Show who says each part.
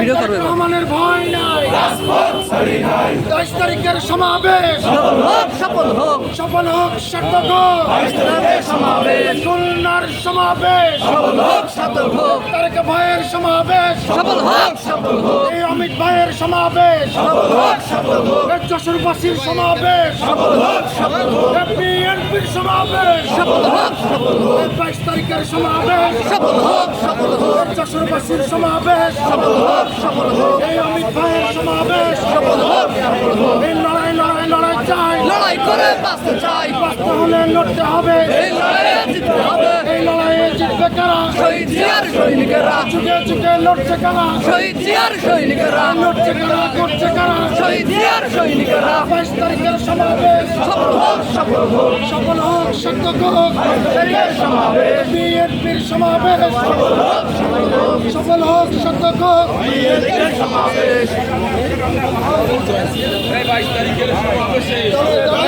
Speaker 1: Video করবে
Speaker 2: রহমানের ভয় নাই, 22 তারিখের সমাবেশ
Speaker 1: সফল হোক
Speaker 2: সফল হোক, সার্থক হোক,
Speaker 1: সমাবেশ
Speaker 2: খুলনার সমাবেশ
Speaker 1: সফল হোক
Speaker 2: তারেক ভাইয়ের সমাবেশ
Speaker 1: সফল হোক
Speaker 2: এই অমিত ভাইয়ের সমাবেশ এই যশোরবাসীর সমাবেশ এই বিএনপির সমাবেশ এই 22 তারিখের সমাবেশ এই যশোরবাসীর সমাবেশ এই অমিত ভাইয়ের সমাবেশ এই লড়াই লড়াই লড়াই চাই,
Speaker 1: লড়াই করে বাঁচতে চাই,
Speaker 2: বাঁচতে হলে লড়তে হবে,
Speaker 1: এই লড়াইয়ে জিততে হবে।
Speaker 2: এই লড়াইয়ে জিতবে কারা,
Speaker 1: শহীদ জিয়ার সৈনিকেরা,
Speaker 2: যুগে যুগে লড়ছে কারা,
Speaker 1: শহীদ জিয়ার সৈনিকেরা,
Speaker 2: লড়ছে কারা, করছে কারা,
Speaker 1: শহীদ জিয়ার সৈনিকেরা
Speaker 2: 22 তারিখের সমাবেশ
Speaker 1: সফল হোক
Speaker 2: সফল হোক, সার্থক হোক,
Speaker 1: সমাবেশ
Speaker 2: বিএনপির সমাবেশ সফল হোক, সার্থক হোক।
Speaker 1: সমাবেশ
Speaker 3: 22 তারিখের সমাবেশে